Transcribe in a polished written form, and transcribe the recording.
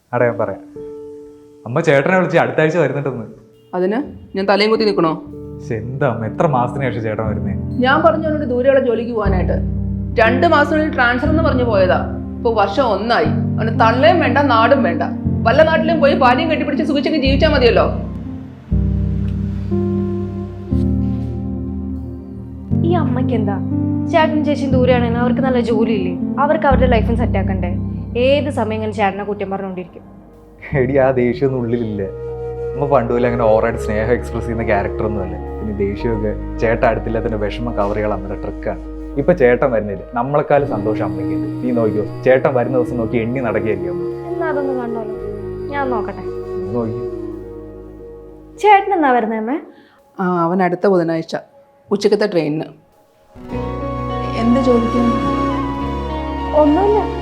അടെ ഞാൻ പറയാം. അമ്മ ചേട്ടനെ വിളിച്ച് അടുത്ത ആഴ്ച വരുന്നുണ്ടെന്ന്. അതിന് ഞാൻ തലയും കുത്തി നിൽക്കണോ? എന്താ അമ്മ, എത്ര മാസത്തിന് ശേഷം ചേട്ടൻ വരുന്നേ? ഞാൻ പറഞ്ഞോണ്ട് ദൂരെയുള്ള ജോലിക്ക് പോകാനായിട്ട് 2 മാസത്തിനുള്ളിൽ ട്രാൻസ്ഫർ എന്ന് പറഞ്ഞു പോയതാ. ഇപ്പൊ വർഷം 1 അവന് തള്ളയും വേണ്ട നാടും വേണ്ട. വല്ല നാട്ടിലും പോയി ഭാര്യയും കെട്ടിപ്പിടിച്ച് സുഖിച്ചൊക്കെ ജീവിച്ചാൽ മതിയല്ലോ. ഈ അമ്മയ്ക്ക് എന്താ, ചേട്ടനും ചേച്ചിയും ദൂരെയാണെങ്കിൽ അവർക്ക് നല്ല ജോലിയില്ലേ, അവർക്ക് അവരുടെ ലൈഫും സെറ്റ് ആക്കണ്ടേ? ഏത് സമയം ഇങ്ങനെ ചേട്ടനെ കുറ്റം പറഞ്ഞുകൊണ്ടിരിക്കും. എടി, ആ ദേഷ്യമൊന്നും ഉള്ളിലില്ല. അമ്മ പണ്ടുപോലെ അങ്ങനെ ഓവറായിട്ട് സ്നേഹം എക്സ്പ്രസ് ചെയ്യുന്ന ക്യാരക്ടറൊന്നും അല്ല. പിന്നെ ദേഷ്യമൊക്കെ ചേട്ടൻ അടുത്തില്ലാത്തതിന്റെ വിഷമം കവർ ചെയ്യാൻ അമ്മയുടെ ട്രിക്കാണ്. ഇപ്പൊ ചേട്ടൻ വരുന്നില്ല, നമ്മളെക്കാളും സന്തോഷം അമ്മയ്ക്കുണ്ട്. നീ നോക്കിയോ, ചേട്ടൻ വരുന്ന ദിവസം നോക്കി എണ്ണി നടക്കുകയല്ലേ അമ്മ. എന്നാ അതൊന്ന് കണ്ടോളൂ, ഞാൻ നോക്കട്ടെ. നീ നോക്കി. ചേട്ടൻ എന്നാ വരുന്നേ അമ്മേ? അവൻ അടുത്ത ബുധനാഴ്ച ഉച്ചക്കത്തെ ട്രെയിനിന്. എന്ത് ജോലിക്കാണ്? ഒന്നുമില്ല.